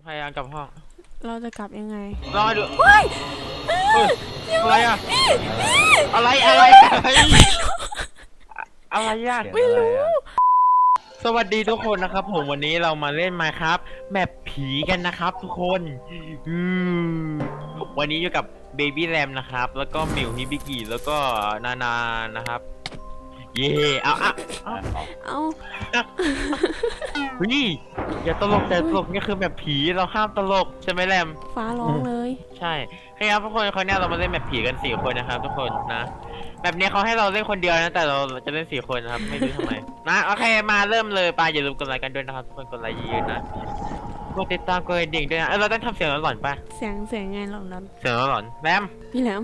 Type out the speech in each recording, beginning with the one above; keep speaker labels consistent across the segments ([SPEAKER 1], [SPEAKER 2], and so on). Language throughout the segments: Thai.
[SPEAKER 1] พยายามกลับห้อง
[SPEAKER 2] เราจะกลับยังไง
[SPEAKER 1] รอดูเฮ้ยอะไรอะอะไรอะไรยาก
[SPEAKER 2] ไม่รู้
[SPEAKER 1] สวัสดีทุกคนนะครับผมวันนี้เรามาเล่นมาครับแมปผีกันนะครับทุกคนวันนี้อยู่กับเบบี้แรมนะครับแล้วก็มิวฮิบิกิแล้วก็นานะครับเย่เอานี่อย่าตลกแต่ตลกนี่คือแบบผีเราห้ามตลกใช่ไหมแรม
[SPEAKER 2] ฟ้าร้องเลย
[SPEAKER 1] ใช่ครับทุกคนคราวนี้เรามาเล่นแบบผีกัน4 คนนะครับทุกคนนะแบบนี้เขาให้เราเล่นคนเดียวนะแต่เราจะเล่น4 คนนะครับไม่รู้ทำไมนะโอเคมาเริ่มเลยอย่าลืมกดไลค์กันด้วยนะครับทุกคนกดไลค์เยอะๆนะกดติดตามกดกระดิ่งด้วยนะเราต้องทำเสียงหลอนๆป่ะ
[SPEAKER 2] เสียงไงหลอน
[SPEAKER 1] เสียงหลอนแรม
[SPEAKER 2] พี่แหลม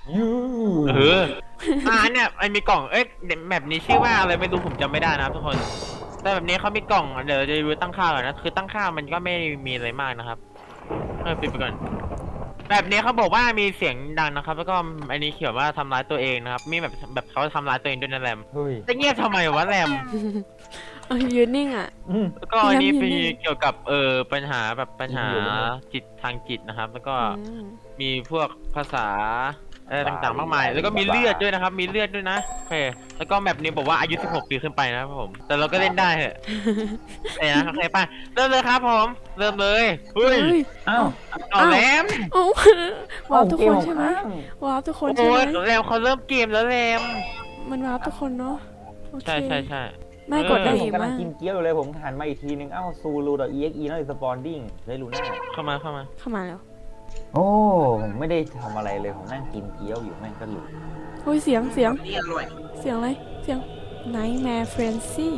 [SPEAKER 1] เนี่ยมันมีกล่องแบบนี้ชื่อว่าอะไรไม่รู้ผมจำไม่ได้นะครับทุกคนแต่แบบนี้เขามีกล่องเดี๋ยวจะดูตั้งค่าก่อนนะคือตั้งค่ามันก็ไม่มีอะไรมากนะครับปิดไปก่อนแบบนี้เขาบอกว่ามีเสียงดังนะครับแล้วก็อันนี้เขียนว่าทำร้ายตัวเองนะครับมีแบบเขาทำร้ายตัวเองด้วยนะแรมจะเงียบทำไมวะแรม
[SPEAKER 2] ยืนนิ่งอ่ะ
[SPEAKER 1] แล้วก็อันนี้เป็นเกี่ยวกับปัญหาจิตทางจิตนะครับแล้วก็มีพวกภาษาต่างๆมากมายแล้วก็มีเลือดด้วยนะครับมีเลือดด้วยนะโอเคแล้วก็แบบนี้บอกว่าอายุ16 ปีขึ้นไปนะครับผมแต่เราก็เล่นได้เหรอนะโอเคป่ะเริ่มเลยครับผมเริ่มเลยเฮ้ยเอาแรม
[SPEAKER 2] ว้าวทุกคนใช่ไหมว้าวทุกคนใช่ไหม
[SPEAKER 1] แรมเขาเริ่มเกมแล้วแรม
[SPEAKER 2] มันว้าวทุกคนเนาะ
[SPEAKER 1] ใช่
[SPEAKER 2] ไม่กดได้
[SPEAKER 3] ผมกำลังกินเกี๊ยวเลยผมหันมาอีกทีนึงซูรูดอ exe นั่นสปอนดิ้งได้รู้หน้า
[SPEAKER 1] เข้ามา
[SPEAKER 2] แล้ว
[SPEAKER 3] โอ้ผมไม่ได้ทำอะไรเลยผมนั่งกินเกี๊ยวอยู่แม่งก็หลุด
[SPEAKER 2] โอ้ยเสียงอะไรเสียง Nightmare Frenzy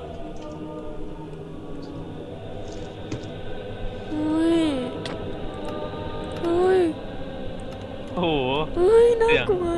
[SPEAKER 2] เฮ้ย
[SPEAKER 1] โอ้โห
[SPEAKER 2] น่ากลัว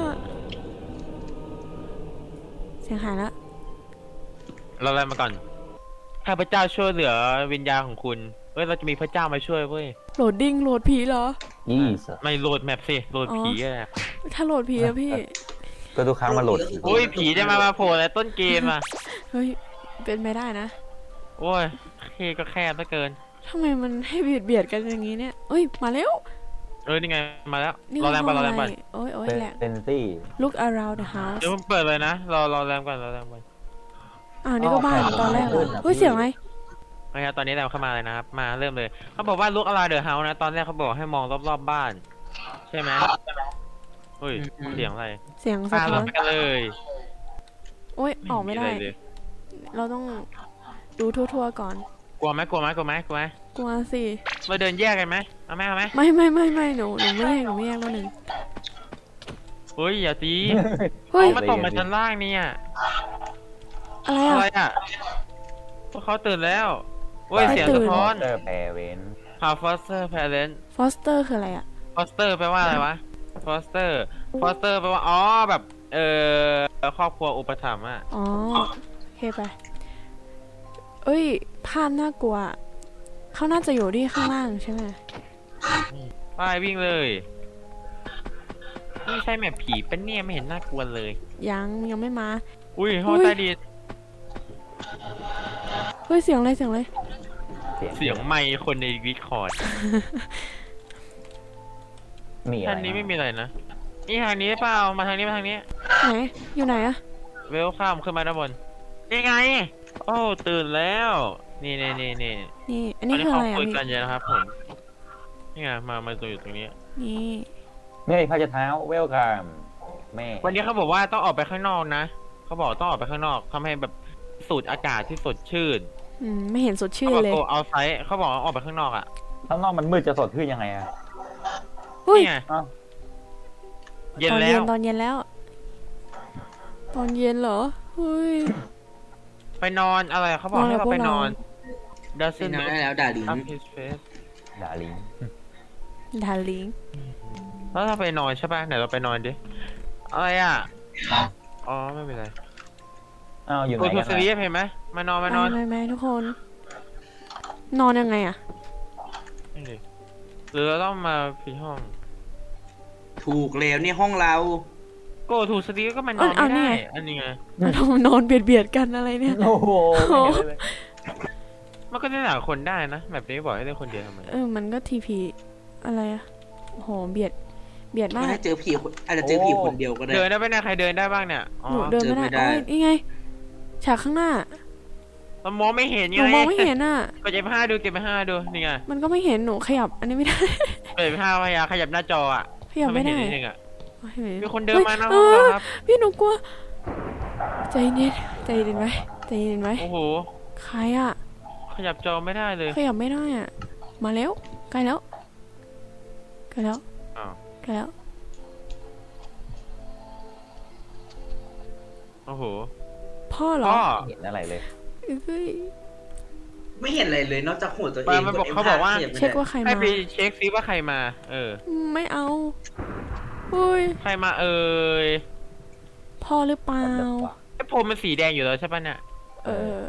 [SPEAKER 2] เสียงหายแล้ว
[SPEAKER 1] เราอะไรมาก่อนข้าพเจ้าช่วยเหลือวิญญาณของคุณเราจะมีพระเจ้ามาช่วยเว้ย
[SPEAKER 2] โหลดผีเหรอ
[SPEAKER 1] ไม่โหลดแมปสิโหลดผีอะ
[SPEAKER 2] ถ้าโหลดผีอะพี่
[SPEAKER 3] ก็ทุกครั้งมาโหลด
[SPEAKER 1] ผีจะมาโผล่ในต้นเกมอะ
[SPEAKER 2] เฮ้ยเป็นไม่ได้นะ
[SPEAKER 1] โอ้ยก็แคบเหลือเกิน
[SPEAKER 2] ทำไมมันให้เบียดกันอย่างนี้เนี่ยเอ้ยมาแล้ว
[SPEAKER 1] นี่ไงมาแล้วรอแรมก่อน
[SPEAKER 2] โอ้ยแหละ
[SPEAKER 3] เป็นซี่
[SPEAKER 2] Look around the house
[SPEAKER 1] เดี๋ยวผมเปิดเลยนะรอแรมก่อน
[SPEAKER 2] นี่ก็บ้านตอนแรกเลยเฮ้ยเสียงอะไร
[SPEAKER 1] นะครับตอนนี้แรมเข้ามาเลยนะครับมาเริ่มเลยเขาบอกว่า Look around the house นะตอนแรกเขาบอกให้มองรอบๆบ้านใช่ไหมเฮ้ยเสียงอะไร
[SPEAKER 2] เสียงสะท้อน
[SPEAKER 1] กันเลย
[SPEAKER 2] โอ้ยออกไม่ได้เราต้องดูทั่วๆก่อน
[SPEAKER 1] กลัวไหมกลัว
[SPEAKER 2] สิ
[SPEAKER 1] มาเดินแยกกันไหมเอาไหม
[SPEAKER 2] ไม่หนูไม่แยกแล้วหนึ่ง
[SPEAKER 1] เฮ้ยอย่าตีเขามาตกมาชั้นล่างนี่อะไรอ่ะพวกเขาตื่นแล้วเฮ้ยเสียงสะท้อนฟอสเตอร์แพเรนต์
[SPEAKER 2] ฟอสเตอร์คืออะไรอ่ะ
[SPEAKER 1] ฟอสเตอร์แปลว่าอะไรวะฟอสเตอร์แปลว่าแบบครอบครัวอุปถัมภ์อ่ะ
[SPEAKER 2] โอเคไปเอ้ยภาพน่ากลัวเขาน่าจะอยู่ที่ข้างล่างใช่ไหม
[SPEAKER 1] ไปวิ่งเลยนี่ใช่แมปผีเป็นเนี่ยไม่เห็นน่ากลัวเลย
[SPEAKER 2] ยังไม่มา
[SPEAKER 1] อุ้ยห้องใต้ดิน
[SPEAKER 2] เฮ้ยเสียงอะไรเสี
[SPEAKER 1] ยงไมค์คนในวิคอร์ดทางนี้ไม่มีอะไรนะนี่ทางนี้เปล่ามาทางนี้ไหน
[SPEAKER 2] อยู่ไหนอะ
[SPEAKER 1] เวลข้ามขึ้นมาด้านบนนี่ไงโอ้ตื่นแล้วนี่
[SPEAKER 2] อันนี้คืออะไรอ่ะ
[SPEAKER 1] คุยกันเยอะนะครับผมนี่ไงมาตัวอยู่ตรงนี้
[SPEAKER 3] นี่พระเจ้าเท้าเวลคัมแม่
[SPEAKER 1] วันนี้เขาบอกว่าต้องออกไปข้างนอกนะเขาบอกต้องออกไปข้างนอกทำให้แบบสูดอากาศที่สดชื่น
[SPEAKER 2] ไม่เห็นสดชื่นเลย
[SPEAKER 1] เอาไซส์เขาบอกออกไปข้างนอกอ่ะ
[SPEAKER 3] ข้างนอกมันมืดจะสดชื่นยังไงอ่ะ
[SPEAKER 1] นี่ไงเย็นแล้ว
[SPEAKER 2] ตอนเย็นเหรอเฮ้ย
[SPEAKER 1] ไปนอนอะไรเขาบอกให้เราไปนอน
[SPEAKER 4] ดาซินได้แล้วดาลิง
[SPEAKER 1] แล้วถ้าไปนอนใช่ป่ะไหนเราไปนอนดิอะไรอ่ะไม่เป็นไร
[SPEAKER 3] อยู่ไหนกัน
[SPEAKER 1] นะซีรีส์เห็นไหมมานอน
[SPEAKER 2] ไม่ทุกคนนอนยังไงอ่ะ
[SPEAKER 1] หรือเราต้องมาผิดห้อง
[SPEAKER 4] ถูกแล้วนี่ห้องเรา
[SPEAKER 1] โกถูกสตีก็มันนอนไม่ได้อันนี้ไง
[SPEAKER 2] เรานอนเบียดกันอะไรเนี่ย
[SPEAKER 3] โอ้โห
[SPEAKER 1] มันก็เล่นหลายคนได้นะแบบนี้บอกให้เล่นคนเดียวทำไม
[SPEAKER 2] มันก็ทีพีอะไรอะโอ้โหเบียดมา
[SPEAKER 4] ไม่
[SPEAKER 2] ก
[SPEAKER 4] ได้เจอผีอาจจะเจอผีคนเดียวก็ได้
[SPEAKER 1] เดินได้ไหมเนี่ยใครเดินได้บ้างเนี่ยอ๋อ
[SPEAKER 2] หนูเดินไม่ได้
[SPEAKER 4] เดินไม่ได้
[SPEAKER 2] โอ้ยนี่ไง ฉากข้างหน้า
[SPEAKER 1] เรามองไม่เห็น
[SPEAKER 2] ห
[SPEAKER 1] ไง
[SPEAKER 2] นูมองไม่เห็นอ่ะ
[SPEAKER 1] กดเก็บผ้าดูเก็บผ้าดูนี่ไง
[SPEAKER 2] มันก็ไม่เห็นหนูขยับ อันนี้ไม่ได้
[SPEAKER 1] เปิดผ้าพยายามขยับหน้าจออ่ะ
[SPEAKER 2] ขยับไม่ได้
[SPEAKER 1] ให้เห็นนิดนึงอ่ะ
[SPEAKER 2] โอ้ยเห็น
[SPEAKER 1] มีคนเดินมาหน้า
[SPEAKER 2] เฮ้
[SPEAKER 1] ห้อง
[SPEAKER 2] ย
[SPEAKER 1] เราครับ
[SPEAKER 2] พี่หนูกลัว ใจเย็นใจเย็นไว้ใจเย็นไว้
[SPEAKER 1] โอ้โห
[SPEAKER 2] ใครอ่ะ
[SPEAKER 1] ขยับจอไม่ได้เลย
[SPEAKER 2] ขยับไม่ได้อ่ะ มาแล้วใกล้แล้วใกล้แล้ว
[SPEAKER 1] อ้าว
[SPEAKER 2] ใกล้แล้ว
[SPEAKER 1] โอ้โห
[SPEAKER 2] พ่อเหรอ
[SPEAKER 1] พ่อ
[SPEAKER 3] เห็นอะไรเลย
[SPEAKER 2] เอ้ย
[SPEAKER 4] ไม่เห็นอะไรเลยนอกจากหัวตัวเอ
[SPEAKER 1] ปาง มันบอก
[SPEAKER 4] ด
[SPEAKER 1] เขาบอกว่า
[SPEAKER 4] ขยับไม่
[SPEAKER 2] เช็ค
[SPEAKER 4] ได้
[SPEAKER 2] ว่าใคร
[SPEAKER 1] ให้
[SPEAKER 2] มา
[SPEAKER 1] ไปเช็คซิว่าใครมา
[SPEAKER 2] ไม่เอาอุ้ย
[SPEAKER 1] ใครมาเอ่ย
[SPEAKER 2] พ่อหรือเปล่า
[SPEAKER 1] ไอ้โพมมันสีแดงอยู่แล้วใช่ปะเนี่ย
[SPEAKER 2] เออ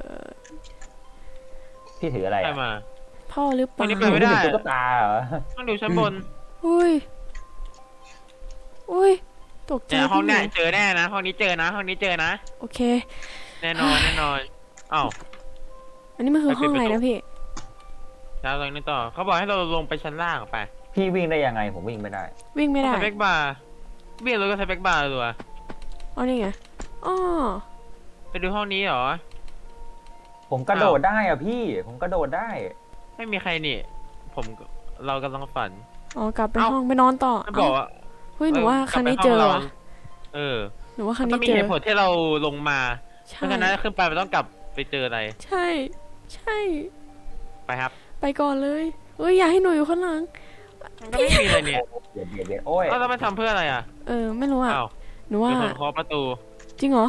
[SPEAKER 3] พี่ถืออะไร
[SPEAKER 1] ใคร
[SPEAKER 3] อ่ะ
[SPEAKER 1] มา
[SPEAKER 2] พ่อหรือเปล่า
[SPEAKER 1] วันนี้ ไปไม่ได้
[SPEAKER 3] ตุ๊กตาเหรอ
[SPEAKER 1] ต้องดูชั้นบน
[SPEAKER 2] อุ้ยอุ้ยตกใจ
[SPEAKER 1] เนี่ยห้อง
[SPEAKER 2] พี่ห
[SPEAKER 1] เนี้ย
[SPEAKER 2] นู
[SPEAKER 1] เจอแน่นะห้องนี้เจอนะห้องนี้เจอนะ
[SPEAKER 2] โอเค
[SPEAKER 1] แน่นอนแน่นอนอ้าว
[SPEAKER 2] อันนี้มันคือห้องอะไรนะพี่
[SPEAKER 1] แล้วตรงนี้ต่อเขาบอกให้เราลงไปชั้นล่างไป
[SPEAKER 3] พี่วิ่งได้ยังไงผมวิ่งไม่ได้
[SPEAKER 2] วิ่งไม่ได้
[SPEAKER 1] สเปคบาร์เบี้ยรถก็สเปคบาร์ตัว
[SPEAKER 2] อ๋อนี่ไงอ๋อ
[SPEAKER 1] ไปดูห้องนี้เหรอ
[SPEAKER 3] ผมกระโดดได้อ่ะพี่ ผมกระโดดได้
[SPEAKER 1] ไม่มีใครนี่ เรากำลังฝัน
[SPEAKER 2] อ๋อกลับไป
[SPEAKER 1] เอ้า
[SPEAKER 2] ห้องไปนอนต่อ
[SPEAKER 1] มันบอกว่า
[SPEAKER 2] เฮ้ยหนูว่าครั้งนี้
[SPEAKER 1] กลับ
[SPEAKER 2] เจ
[SPEAKER 1] ไป
[SPEAKER 2] อ
[SPEAKER 1] ห้ง
[SPEAKER 2] ว่ะ
[SPEAKER 1] เออ
[SPEAKER 2] หนูว่าครั้ง
[SPEAKER 1] ต้อ
[SPEAKER 2] นี้
[SPEAKER 1] งมี
[SPEAKER 2] เจ
[SPEAKER 1] เห
[SPEAKER 2] อ
[SPEAKER 1] ตุผลที่เราลงมา เพ
[SPEAKER 2] ใช่
[SPEAKER 1] ราะฉะนั้นขึ้นไปมันต้องกลับไปเจออะไร
[SPEAKER 2] ใช่ใช่
[SPEAKER 1] ไปครับ
[SPEAKER 2] ไปก่อนเลยเอ้ยอย่าให้หนูอยู่ข้างหลัง
[SPEAKER 1] มันก็ไม่มีอะไรเนี่ย
[SPEAKER 3] เบียดโอ้ย
[SPEAKER 1] แล้วมันทำเพื่ออะไรอ่ะ
[SPEAKER 2] ไม่รู้อ่ะ
[SPEAKER 1] อ้าว
[SPEAKER 2] หนูว่า
[SPEAKER 1] มีคนเคาะประตู
[SPEAKER 2] จริงเหรอ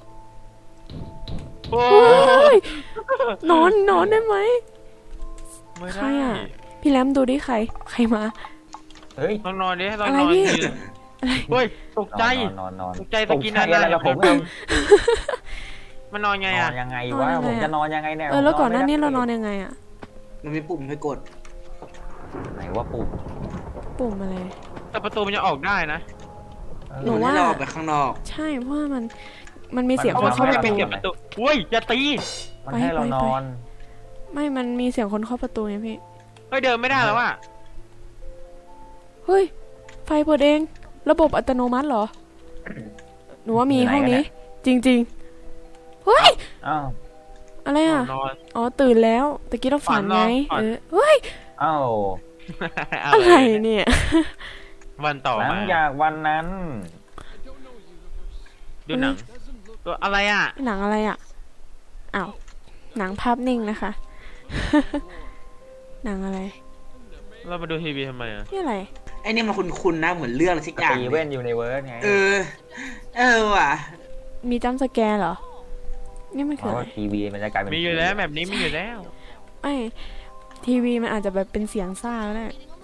[SPEAKER 1] โอ้
[SPEAKER 2] เฮ้ยนอนได้ไหม
[SPEAKER 1] ไม่
[SPEAKER 2] ใคร
[SPEAKER 1] ได้
[SPEAKER 2] อะ พี่แรมดูดิใครมา
[SPEAKER 3] เฮ้ย
[SPEAKER 1] ต้องนอนดิให้เรา
[SPEAKER 2] อะไร
[SPEAKER 1] นอน
[SPEAKER 2] พี่
[SPEAKER 1] ดิเฮ้ยตกใจ
[SPEAKER 3] นอน
[SPEAKER 1] ตกใจตะกี้
[SPEAKER 3] ต
[SPEAKER 1] นั่
[SPEAKER 3] ก
[SPEAKER 1] น
[SPEAKER 3] ใจอะไรล่ะผมยัง
[SPEAKER 1] มันนอนไง
[SPEAKER 3] นอ
[SPEAKER 1] อ่ะ
[SPEAKER 3] นยังไงวะผมจะนอนยังไงเนี่ย
[SPEAKER 2] แล้วก่อนหน้านี้
[SPEAKER 3] ผม
[SPEAKER 2] เรานอน
[SPEAKER 3] ไม่ได้
[SPEAKER 2] ยังไงอ่ะ
[SPEAKER 4] มันมีปุ่มให้กด
[SPEAKER 3] ไหนว่าปุ่ม
[SPEAKER 2] ปุ่มอะไร
[SPEAKER 1] แต่ประตูมันจะออกได้นะ
[SPEAKER 2] หนู
[SPEAKER 4] มัน
[SPEAKER 2] ว่า
[SPEAKER 4] ให้เราออกไปข้างนอก
[SPEAKER 2] ใช่เพราะว่ามันมีเสียง
[SPEAKER 1] เพ
[SPEAKER 2] ค
[SPEAKER 1] ราะ
[SPEAKER 2] น
[SPEAKER 1] ว่า
[SPEAKER 2] เข้า
[SPEAKER 1] เขา
[SPEAKER 2] ประ
[SPEAKER 1] ไม่
[SPEAKER 2] ตู
[SPEAKER 1] เก็บประตูอุ้ยอย่าตี
[SPEAKER 3] มันให้เรานอน
[SPEAKER 2] ไม่มันมีเสียงคนเข้าประตูไงพี่
[SPEAKER 1] เฮ้ยเดินไม่ได้แล้วอ่ะ
[SPEAKER 2] เฮ้ยไฟเปิดเอง ระบบอัตโนมัติเหรอ หนูว่ามีห้องนี้ จริงๆเฮ้ย
[SPEAKER 3] อ้าว
[SPEAKER 2] อะไรอ่ะ
[SPEAKER 1] นอน
[SPEAKER 2] อ๋อตื่นแล้วตะกี้เราฝันไง
[SPEAKER 1] ฝัน
[SPEAKER 2] เฮ้ย
[SPEAKER 3] อ้าว
[SPEAKER 2] อะไรเนี่ย
[SPEAKER 1] วันต่อ
[SPEAKER 3] หลั
[SPEAKER 1] มาง
[SPEAKER 3] จากวันนั้น
[SPEAKER 1] ดูหนังตัวอะไรอ่ะ
[SPEAKER 2] หนังอะไรอ่ะอ้าวหนังภาพนิ่งนะคะ หนังอะไร
[SPEAKER 1] เรามาดูทีวีทำไมอ่ะ
[SPEAKER 2] นี่อะไร
[SPEAKER 4] ไอ้นี่มันคุ้นๆนะเหมือนเรื่องอะไรสักอย่าง
[SPEAKER 3] ตีเว่นยูนิเวิร์สไง
[SPEAKER 4] เออว่ะ
[SPEAKER 2] มีจัมป์สแกร์เหรอ นี่มัน
[SPEAKER 3] เพ
[SPEAKER 2] คือ
[SPEAKER 3] ราะ
[SPEAKER 2] อะไร
[SPEAKER 3] ว่าทีวีมันจะกลายเป็น
[SPEAKER 1] มีอยู่แล้วแบบนี้มีอยู่แล้ว
[SPEAKER 2] ไม่ทีวีมันอาจจะแบบเป็นเสียงซ่าก็ได้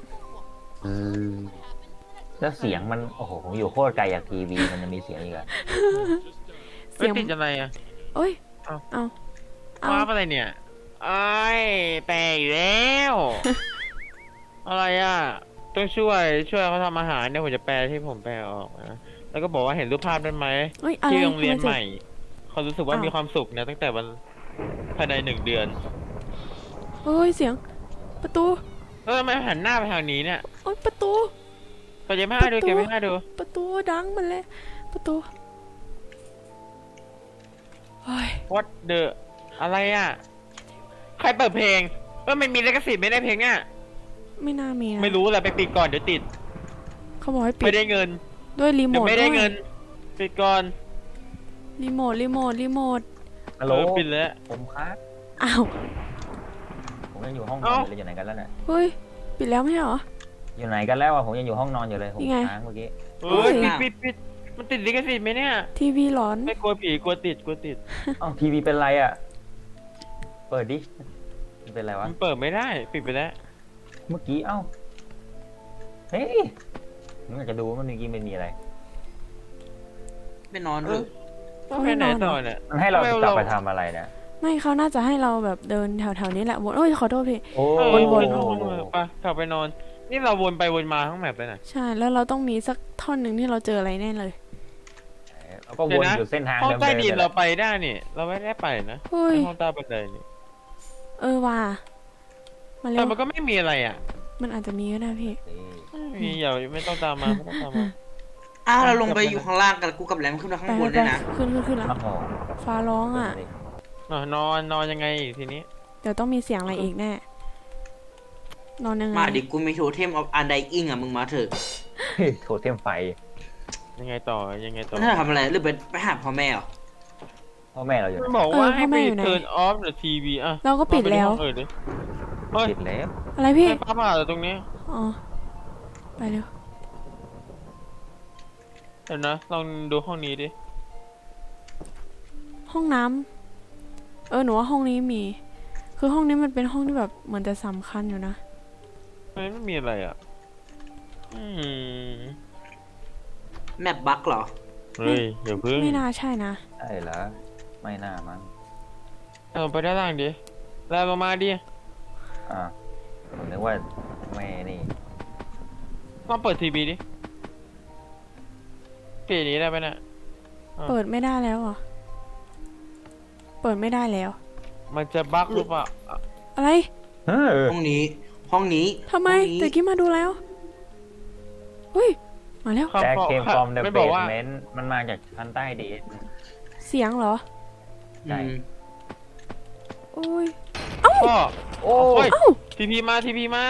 [SPEAKER 3] แล้วเสียงมันโอ้โหผมอยู่โคตรไกลจากทีวีมันจะมีเสียงอีกอะ
[SPEAKER 2] เสี
[SPEAKER 1] เฮ้ย
[SPEAKER 2] ยง
[SPEAKER 1] ติดอะไรอ่ะ
[SPEAKER 2] เอ้ย
[SPEAKER 1] เอ้า
[SPEAKER 2] เอาเอา
[SPEAKER 1] ว้าอะไรเนี่ยไอ้ยแปลอีกแล้ว อะไรอ่ะต้องช่วยเขาทำอาหารเนี่ยผมจะแปลที่ผมแปลออกนะแล้วก็บอกว่าเห็นรูปภาพนั้นไหม
[SPEAKER 2] เอ้ยอะไร
[SPEAKER 1] ที่โรงเรียน
[SPEAKER 2] ทำไม
[SPEAKER 1] ใหม่เขารู้สึกว่า
[SPEAKER 2] อ้าว
[SPEAKER 1] มีความสุขนะตั้งแต่วันภายใน1 เดือน
[SPEAKER 2] เอ้ยเสียง ประตู
[SPEAKER 1] แล้วทำไมหันหน้าไปทางนี้เนี่ย
[SPEAKER 2] โอ้ยประตู
[SPEAKER 1] ก็จะไม่ดู
[SPEAKER 2] ประตู
[SPEAKER 1] เก็บไม่ดู
[SPEAKER 2] ประตูดังมันเลย ประตูเฮ้ย
[SPEAKER 1] What the อะไรอ่ะ ใครเปิดเพลงมันมีลิขสิทธิ์ไม่ได้เพลงเนี่ย
[SPEAKER 2] ไม่น่ามีนะ
[SPEAKER 1] ไม่รู้แหละไปปิดก่อนเดี๋ยวติด
[SPEAKER 2] เขาบอกให้ปิ
[SPEAKER 1] ไม่
[SPEAKER 2] ด
[SPEAKER 1] ได้เงิน
[SPEAKER 2] ด้วยรีโม
[SPEAKER 1] เดี๋ยว
[SPEAKER 2] ท
[SPEAKER 1] ไม่ได้
[SPEAKER 2] ด้วย
[SPEAKER 1] เงินปิดก่อน
[SPEAKER 2] รีโมท
[SPEAKER 3] ฮัลโหล
[SPEAKER 1] ปิดแล้ว
[SPEAKER 3] ผมครับ
[SPEAKER 2] อ้าว
[SPEAKER 3] ผมยังอยู่ห้องนอน
[SPEAKER 1] เอ้า
[SPEAKER 3] อยู่เลยอยู่ไหนกันแล้วเนี่ย
[SPEAKER 2] เฮ้ยปิดแล้วไม่ใช่เหรอ
[SPEAKER 3] อยู่ไหนกันแล้วอะผมยังอยู่ห้องนอนอยู่เลยผม
[SPEAKER 2] นี่ไง
[SPEAKER 3] ค้างเมื่อกี้
[SPEAKER 1] เฮ้ย
[SPEAKER 2] เฮ้ย
[SPEAKER 1] ปิดมันติดลิขสิทธิ์ไหมเนี่ย
[SPEAKER 2] ทีวีหลอน
[SPEAKER 1] ไม่กลัวผีกลัวติด
[SPEAKER 3] อ้าวทีวีเป็นไรอะเปิดดิมันเป็นไรวะ
[SPEAKER 1] มันเปิดไม่ได้ปิดไปแล้ว
[SPEAKER 3] เมื่อกี้เอ้าเฮ้ยผมอยากจะดูว่ามันเมื่อกี้มันมีอะไร
[SPEAKER 4] ไปนอนเถอะ
[SPEAKER 1] ต้องไปไหนต่อเนี่ย
[SPEAKER 3] มันให้เรา
[SPEAKER 1] ทำไม
[SPEAKER 3] กลับ
[SPEAKER 1] เรา
[SPEAKER 3] ไปทำอะไรเนี่ย
[SPEAKER 2] ไม่เขาน่าจะให้เราแบบเดินแถวๆนี้แหละวนโอ้ยขอโทษพี่
[SPEAKER 3] โอ้
[SPEAKER 1] วน
[SPEAKER 3] โห
[SPEAKER 1] ไปกลับไปนอน นี่เราวนไปวนมาทั้งแมปเลยนะ
[SPEAKER 2] ใช่แล้วเราต้องมีสักท่อนหนึ่งที่เราเจออะไรแน่เลย
[SPEAKER 3] เราก็วนอยู่เส้นทาง
[SPEAKER 1] ห้อง
[SPEAKER 3] เดิม
[SPEAKER 1] ใต้
[SPEAKER 3] ๆ
[SPEAKER 1] ดิน
[SPEAKER 3] นี่แห
[SPEAKER 1] เรา
[SPEAKER 3] ละ
[SPEAKER 1] ไปได้นี่ เราไม่ได้ไปนะ
[SPEAKER 2] เฮ้ย
[SPEAKER 1] ห้องใต้บันไดนี่
[SPEAKER 2] ว่ะมาเร็
[SPEAKER 1] แต่
[SPEAKER 2] ว
[SPEAKER 1] มันก็ไม่มีอะไรอ่ะ
[SPEAKER 2] มันอาจจะมีก็ได้พี่
[SPEAKER 1] ไม่มีอย่าไม่ต้องตามมาไม่ต้องตามมา
[SPEAKER 4] อ้าวเราลงไปอยู่ข้างล่างกันกูกับแรมขึ้นมาข้างบน
[SPEAKER 2] ไป
[SPEAKER 4] ด้วยนะ
[SPEAKER 2] ขึ้นแล้ว
[SPEAKER 3] โอ้โห
[SPEAKER 2] ฟ้าร้องอ่ะ
[SPEAKER 1] นอนยังไงทีนี้
[SPEAKER 2] เดี๋ยวต้องมีเสียงอะไรอีกแน่ นอนยังไง
[SPEAKER 4] มาดิกูมีโทเทมออฟอันไดอิงอ่ะมึงมาเถอะ
[SPEAKER 3] โถเทมไฟ
[SPEAKER 1] ยังไงต่อยังไงต่อ
[SPEAKER 4] มันจะทำอะไรหรือไปหาพ่อแม่เหรอ
[SPEAKER 3] พ่อแม่เราอยู่
[SPEAKER 1] มัน
[SPEAKER 3] ไหน
[SPEAKER 1] บอกว่าให้ไป turn off the TV อ่ะ
[SPEAKER 2] เราก็ปิดแล้ว
[SPEAKER 1] เฮ้ย
[SPEAKER 3] ปิดแล้ว
[SPEAKER 2] อะไรพี่
[SPEAKER 1] ไฟฟ้าผ่าตรงนี้
[SPEAKER 2] อ๋อ ไปเร็ว
[SPEAKER 1] เดี๋ยวนะลองดูห้องนี้ดิ
[SPEAKER 2] ห้องน้ำหนูว่าห้องนี้มี คือห้องนี้มันเป็นห้องที่แบบเหมือนจะสำคัญอยู่นะ
[SPEAKER 1] ไม่มีอะไรอ่ะ
[SPEAKER 4] แมปบั๊กเหรอ
[SPEAKER 1] เฮ้ยอย่าพึ่ง
[SPEAKER 2] ไม่น่าใช่นะ
[SPEAKER 3] ใช่เหรอไม่น่ามั้ง
[SPEAKER 1] ไปด้านล่างดิแล้วลงมาดิ
[SPEAKER 3] อ่าผมนึกว่าแม่นี่
[SPEAKER 1] ลองเปิดทีวีดิปิดนี้ได้ไหมเนี่ย
[SPEAKER 2] เปิดไม่ได้แล้วเหรอ เปิดไม่ได้แล้ว
[SPEAKER 1] มันจะบั๊กหรือเปล่า
[SPEAKER 2] อะไร
[SPEAKER 3] เฮ้ย
[SPEAKER 4] ห้องนี้ ห้องนี้
[SPEAKER 2] ทำไม
[SPEAKER 4] ห้องนี้
[SPEAKER 2] แต่กี้มาดูแล้วเฮ้ย มาแล้ว
[SPEAKER 3] แจ็คเคมฟอร์มเดอะ
[SPEAKER 1] ไม่
[SPEAKER 3] เบ
[SPEAKER 1] บอก
[SPEAKER 3] ส
[SPEAKER 1] ว่า
[SPEAKER 3] เมนต์มันมาจากชั้นใต้ดิน
[SPEAKER 2] เสียงเหรอ
[SPEAKER 3] ใช่
[SPEAKER 4] อืม
[SPEAKER 2] โอ้ย
[SPEAKER 1] พ่อ
[SPEAKER 3] โอ้
[SPEAKER 1] เฮ้ย
[SPEAKER 2] เอ้า
[SPEAKER 1] ทีพีมา
[SPEAKER 2] ทีวี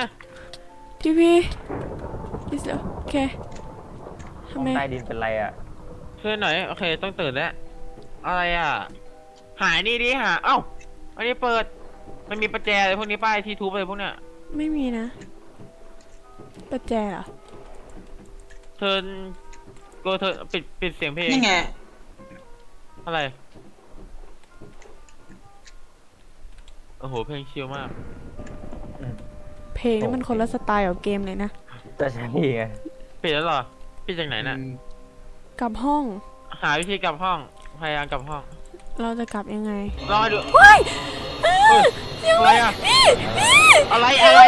[SPEAKER 2] โอเค
[SPEAKER 3] ห้
[SPEAKER 2] ทำ
[SPEAKER 3] อง
[SPEAKER 2] ไม
[SPEAKER 3] ใต้ดินเป็นไรอ่ะ
[SPEAKER 1] คือไหนโอเคต้องตื่นแล้ว อะไรอ่ะ หายนี่ดิหา เอ้า อันนี้เปิด มันมีประแจอะไรพวกนี้ป้ายที่ทุบอะไรพวกเนี้ย
[SPEAKER 2] ไม่มีนะ ประแจเหรอ
[SPEAKER 1] เทิร์นโกเทิร์นปิดเสียงเพลง
[SPEAKER 4] นี่ไง
[SPEAKER 1] อะไร โอ้โห เพลงชิลมาก
[SPEAKER 2] เพลงนี่มันคนละสไตล์กับเกมเลยนะ
[SPEAKER 3] จะใช่ไง
[SPEAKER 1] ปิดแล้วเหรอ ปิดจากไหนน่ะ
[SPEAKER 2] กลับห้อง
[SPEAKER 1] หาวิธีกลับห้อง พยายามกลับห้อง
[SPEAKER 2] เราจะกลับยังไง
[SPEAKER 1] รอดูเฮ้ยอะไรอ่ะ อะไรอะไร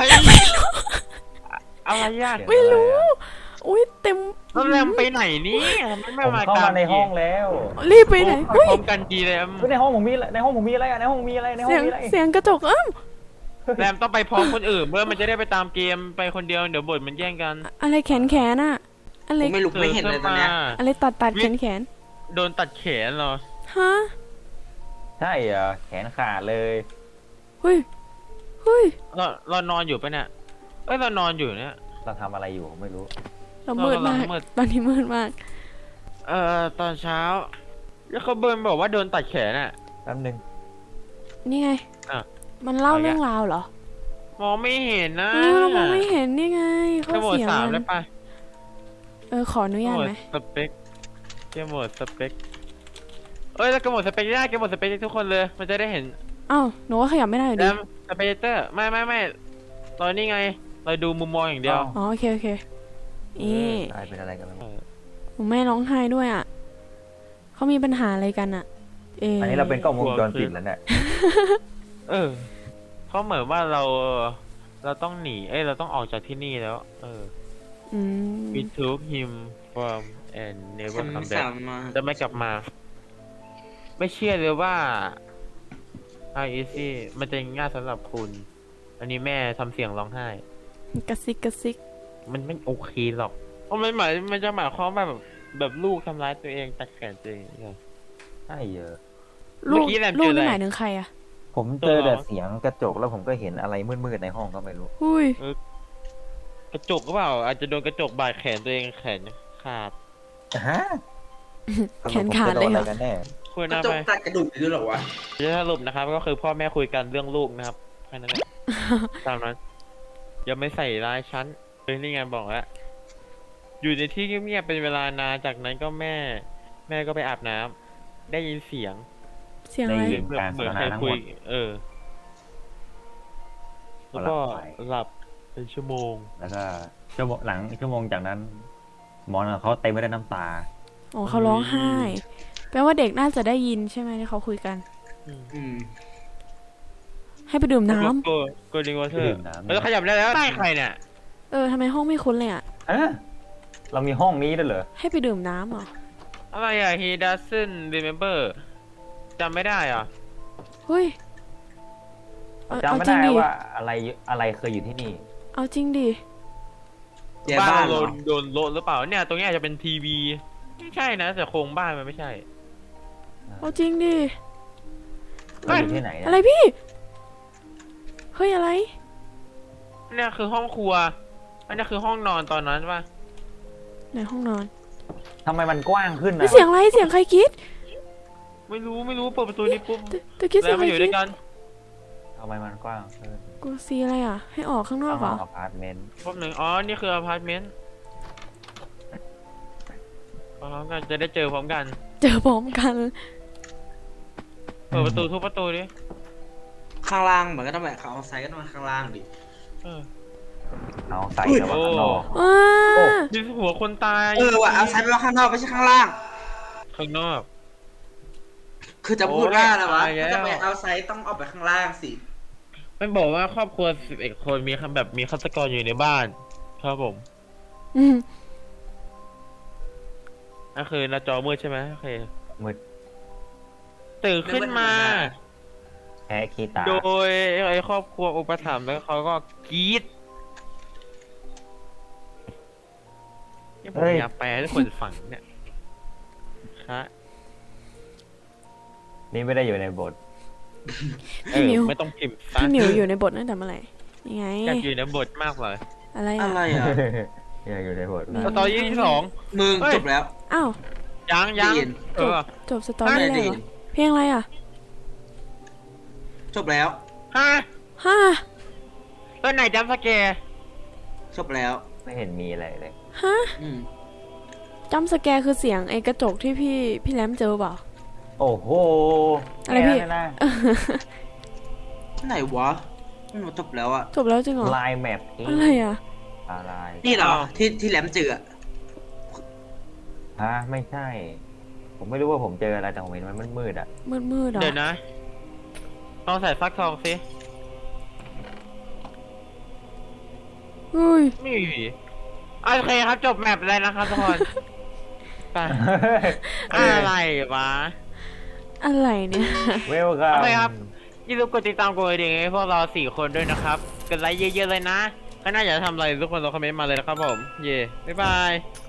[SPEAKER 1] อะไรอ่ะ
[SPEAKER 2] ไม่รู้ อุ้ยเต็ม
[SPEAKER 1] แล้วแรมไปไหนนี่ไม่
[SPEAKER 3] ผม
[SPEAKER 1] มา
[SPEAKER 3] เข้ามาในห้องแล้ว
[SPEAKER 2] รีบไปไหน
[SPEAKER 1] เฮ้
[SPEAKER 2] เฮ้
[SPEAKER 1] ย
[SPEAKER 2] ย
[SPEAKER 1] พร้อมกันดีแรม
[SPEAKER 3] เฮ้ยในห้องผมมีอะไรในห้องผมมีอะไรอ่ะในห้องผมมีอะไรในห้อ
[SPEAKER 2] เสี
[SPEAKER 3] ง
[SPEAKER 2] ยง
[SPEAKER 3] มีอะไร
[SPEAKER 2] เสียงกระจก
[SPEAKER 1] แรมต้องไปพร้อมคนอื่นเพื่อมันจะได้ไปตามเกมไปคนเดียวเดี๋ยวบทมันแย่งกัน
[SPEAKER 2] อะไรแขนอะอะไร
[SPEAKER 4] กูไม่ลุกไม่เห็นเลยตอนเนี้ย
[SPEAKER 2] อะไรตัดแขน
[SPEAKER 1] โดนตัดแขนเหรอ
[SPEAKER 2] ฮะ
[SPEAKER 3] ใช่เหรอแขนขาดเลย
[SPEAKER 2] เฮ้ย
[SPEAKER 1] เรานอนอยู่ปะเนี่ยเอ้ยเรานอนอยู่เนี่ย
[SPEAKER 3] เราทำอะไรอยู่ผมไม่รู้
[SPEAKER 2] เรามืดมาก
[SPEAKER 1] เรามืด
[SPEAKER 2] ตอนนี้มืดมาก
[SPEAKER 1] ตอนเช้า แล้วเขาเบิร์นบอกว่าโดนตัดแขนอ่ะ
[SPEAKER 3] แป๊บนึง
[SPEAKER 2] นี่ไง
[SPEAKER 1] อ่ะ
[SPEAKER 2] มันเล่า
[SPEAKER 1] เอาอีก
[SPEAKER 2] เรื่องราวเหรอ
[SPEAKER 1] มองไม่เห็นนะ
[SPEAKER 2] เรามองไม่เห็นนี่ไงข้อ
[SPEAKER 1] แค่โหมด
[SPEAKER 2] เสียง
[SPEAKER 1] 3
[SPEAKER 2] มั
[SPEAKER 1] ได้
[SPEAKER 2] น
[SPEAKER 1] ปะ
[SPEAKER 2] ขออนุญาตไหม
[SPEAKER 1] สเปคแค่โหมดสเปคเอ้ยแล้วก็โหมดสเปคได้แกโหมดสเปคได้ทุกคนเลย มันจะได้เห็น
[SPEAKER 2] อ้าวหนูว่าขยับไม่ได้อยู่
[SPEAKER 1] แล้
[SPEAKER 2] ดี
[SPEAKER 1] วสเปเตอร์ไม่เรานี่ไง เราดูมุมมองอย่างเดียว
[SPEAKER 2] อ๋อโอเคนี่
[SPEAKER 3] ตายเป็นอะไรกันแล้ว
[SPEAKER 2] หนูแม่ร้องไห้ด้วยอ่ะเขามีปัญหาอะไรกันอ่ะ
[SPEAKER 3] อันนี้เราเป็นกล้องวงจรปิดแล้วเนี่ย
[SPEAKER 1] เออเขาเหมือนว่าเราต้องหนีเราต้องออกจากที่นี่แล้ว
[SPEAKER 2] อืม
[SPEAKER 1] we took him from and never
[SPEAKER 4] คำ
[SPEAKER 1] come
[SPEAKER 4] สา
[SPEAKER 1] back
[SPEAKER 4] มมา
[SPEAKER 1] จะไม่กลับมา ไม่เชื่อเลยว่า How easy มันจะง่ายสำหรับคุณ อันนี้แม่ทำเสียงร้องไห้
[SPEAKER 2] กระซิก
[SPEAKER 1] มันไม่โอเคหรอกเพราะมันจะหมายความว่าแบบลูกทำร้ายตัวเองตัดแขนตัวเองไง
[SPEAKER 3] ใช่เหรอ
[SPEAKER 2] ลู
[SPEAKER 1] เมื่
[SPEAKER 2] ก
[SPEAKER 1] อกี้แรม
[SPEAKER 2] ลู
[SPEAKER 1] เจ
[SPEAKER 2] ก
[SPEAKER 1] ออะไร
[SPEAKER 2] นี่หมายถึงใครอ่ะ
[SPEAKER 3] ผมเจอแต่เสียงกระจกแล้วผมก็เห็นอะไรมืดๆในห้องก็ไม่รู้
[SPEAKER 2] อุ้ย
[SPEAKER 1] กระจกหรือเปล่า อาจจะโดนกระจกบาดแขนตัวเองแขนขาด
[SPEAKER 3] ฮะ
[SPEAKER 2] แขนขาดเลยเหรอ
[SPEAKER 3] สรุปผมจะโนอะไรกันแน่
[SPEAKER 1] คุย
[SPEAKER 4] ก
[SPEAKER 1] ห
[SPEAKER 4] ระ
[SPEAKER 1] น้า
[SPEAKER 4] จ
[SPEAKER 1] ไป
[SPEAKER 4] กตัดกระดูกด้วยเหรอวะ
[SPEAKER 1] จะสรุปนะครับ ก็คือพ่อแม่คุยกันเรื่องลูกนะครับแค่นั้นแหละ ตามนั้นอย่าไม่ใส่ร้ายฉันเป็นนี่ไงบอกแล้วอยู่ในที่เงียบๆเป็นเวลานานจากนั้นก็แม่ก็ไปอาบน้ำได้ยินเสียง
[SPEAKER 2] เสียงอะไร
[SPEAKER 3] ได้ยิน
[SPEAKER 1] เหมือนใครคุย แล้วก็หลับเป็นชั่วโมง
[SPEAKER 3] แล้วก็หลังชั่วโมงจากนั้นหมอนเขาเต็มไปด้วยน้ำตา
[SPEAKER 2] อ๋อเขาร้องไห้ แปลว่าเด็กน่าจะได้ยินใช่ไหมที่เขาคุยกัน
[SPEAKER 4] อืม
[SPEAKER 2] ให้ไปดื่มน้ำ
[SPEAKER 1] โกลเด้นวอเตอ
[SPEAKER 3] ดื่
[SPEAKER 1] ร์
[SPEAKER 3] มน้ำ
[SPEAKER 1] แล้วขยับได้แล้วใต้ใครเนี่ย
[SPEAKER 2] ทำไมห้องไม่คุ้นเลยอ่ะ
[SPEAKER 3] เรามีห้องนี้ด้วยเหรอ
[SPEAKER 2] ให้ไปดื่มน้ำเหรอ
[SPEAKER 1] อะไรอ่ะ he doesn't remember จำไม่ได้อ่ะ
[SPEAKER 2] เฮ้ย
[SPEAKER 3] จำ
[SPEAKER 2] เอา
[SPEAKER 3] ไม่
[SPEAKER 2] จริ
[SPEAKER 3] ได้
[SPEAKER 2] งดิ
[SPEAKER 3] ว่าอะไรเคยอยู่ที่นี่
[SPEAKER 2] เอาจริงดิ
[SPEAKER 4] เดี๋ยว
[SPEAKER 1] บ้า
[SPEAKER 4] บ้าน น
[SPEAKER 1] โด
[SPEAKER 4] เหรอน
[SPEAKER 1] โดนโละหรือเปล่าเนี่ยตรงนี้อาจจะเป็นทีวีไม่ใช่นะแต่โครงบ้านมันไม่ใช่
[SPEAKER 2] เอาจริงดิ
[SPEAKER 3] มันอยู่ที่ไหน
[SPEAKER 2] อะไรพี่ เฮ้ยอะไร
[SPEAKER 1] เนี่ยคือห้องครัวอันนี้คือห้องนอนตอนนั้นป่ะ
[SPEAKER 2] ไหนห้องนอน
[SPEAKER 3] ทำไมมันกว้างขึ้น
[SPEAKER 2] เฮ้ย
[SPEAKER 3] นะ
[SPEAKER 2] เสียงอะไรเสียงใครกรีด
[SPEAKER 1] ไม่รู้เปิดประตูนี้ปุ๊บ
[SPEAKER 2] ตะกี้เสี
[SPEAKER 1] แล้
[SPEAKER 2] ยง
[SPEAKER 1] ว
[SPEAKER 2] ใคร
[SPEAKER 1] มาอยู่
[SPEAKER 2] กรี
[SPEAKER 1] ด้ว
[SPEAKER 2] ด
[SPEAKER 1] ยกัน
[SPEAKER 3] ทำไมมันกว้างขึ้น
[SPEAKER 2] กูซีอะไรอ่ะ ให้ออกข้างนอกเหรอ
[SPEAKER 3] ห้องอพาร์ตเมนต์
[SPEAKER 1] พบหนึ่งอ๋อนี่คืออพาร์ตเมนต์พร้อมกันจะได้เจอพร้อมกัน
[SPEAKER 2] เจอพร้อมกัน
[SPEAKER 1] เปิดประตูทุกประตูดิ
[SPEAKER 4] ข้างล่างเหมือนก็ต้องแบบเขาเอาไซส์ก็ต้องมาข้างล่างดิ
[SPEAKER 1] เออ
[SPEAKER 3] เอาใส่แต่ว่าข้างนอก
[SPEAKER 2] ว้า
[SPEAKER 1] มีหัวคนตาย
[SPEAKER 4] ว่ะเอาไซส์ไปว่าข้างนอกไม่ใช่ข้างล่าง
[SPEAKER 1] ข้างนอก
[SPEAKER 4] คือจะพูดว่าอะไรวะ
[SPEAKER 1] โอ้ย
[SPEAKER 4] ถ้าจะไป
[SPEAKER 1] ตายแล้ว
[SPEAKER 4] เอาไซส์ต้องออกไปข้างล่างสิ
[SPEAKER 1] มันบอกว่าครอบครัว11 คนมีแบบมีฆาตกรอยู่ในบ้าน ครับผม
[SPEAKER 2] อืม
[SPEAKER 1] นั่นคือหน้าจอมืดใช่ไหมโอเค
[SPEAKER 3] มืด
[SPEAKER 1] ตื่นขึ้นมา
[SPEAKER 3] แพ้ขี้ตา
[SPEAKER 1] โดยไอ้ครอบครัวอุปถัมภ์แล้วเขาก็กรี๊ดนี่ผมอยากแปลให้คนฟังเนี่ยฮะ
[SPEAKER 3] นี่ไม่ได้อยู่ในบท
[SPEAKER 1] เออไม่ต้องพิมพ์ซะ
[SPEAKER 2] พี่หมิวอยู่ในบทตั้งแต่เมื่อไหร่ยังไง
[SPEAKER 1] อยากอยู่ในบทมากเลย
[SPEAKER 2] อะไร
[SPEAKER 4] อะ
[SPEAKER 2] อ่ะ
[SPEAKER 4] ไรอ่ะ
[SPEAKER 3] อยากอยู่ในบท
[SPEAKER 2] มี
[SPEAKER 1] สตอรี่ที่สอง
[SPEAKER 4] มึง
[SPEAKER 1] เฮ้ย
[SPEAKER 4] จบแล้ว
[SPEAKER 2] อ้าว
[SPEAKER 1] ยัง
[SPEAKER 4] ได้ยิน
[SPEAKER 1] เออ
[SPEAKER 2] จบสตอรี่
[SPEAKER 4] ไม่
[SPEAKER 2] แล้ว
[SPEAKER 4] ได้
[SPEAKER 2] เหร
[SPEAKER 4] ยิ
[SPEAKER 2] อน เพลงอะไรอ่ะ
[SPEAKER 4] จบแล้ว
[SPEAKER 1] ฮะ
[SPEAKER 2] ฮ่า
[SPEAKER 1] ตัวไหนจัมป์สแกร์
[SPEAKER 4] จบแล้ว
[SPEAKER 3] ไม่เห็นมีอะไรเลย
[SPEAKER 2] ฮะ
[SPEAKER 4] อืม
[SPEAKER 2] จัมป์สแกร์คือเสียงไอ้กระจกที่พี่แรมเจอเปล่า
[SPEAKER 3] โอ้โห
[SPEAKER 2] อะไรพี่
[SPEAKER 3] แค่นั้นนะ
[SPEAKER 4] ไหนวะมันจบแล้วอ่ะ
[SPEAKER 2] จบแล้วจริงเหรอ
[SPEAKER 3] ลายแมป
[SPEAKER 2] อะไรอ่ะ
[SPEAKER 3] อะไร
[SPEAKER 4] นี่เหรอที่แหลมเจืออะ
[SPEAKER 3] ฮะไม่ใช่ ผมไม่รู้ว่าผมเจออะไรแต่ผมเห็นมันมืดๆอ่ะ
[SPEAKER 2] มืดๆเหรอ
[SPEAKER 1] เดี๋ยวนะลองใส่ฟักทองสิ
[SPEAKER 2] เฮ้ย
[SPEAKER 1] ไม่มีผีโอเคครับจบแมปเลยนะครับทุกคนไปอะไรวะ
[SPEAKER 2] อะไรเนี่ย
[SPEAKER 3] เวลคัม
[SPEAKER 1] โอเคครับ อย่าลืมกดติดตามกดกระดิ่งให้พวกเรา4 คนด้วยนะครับกดไลค์เยอะๆเลยนะถ้าน่าอยากทำอะไรทุกคนลองคอมเมนต์มาเลยนะครับผม เย่บ๊ายบาย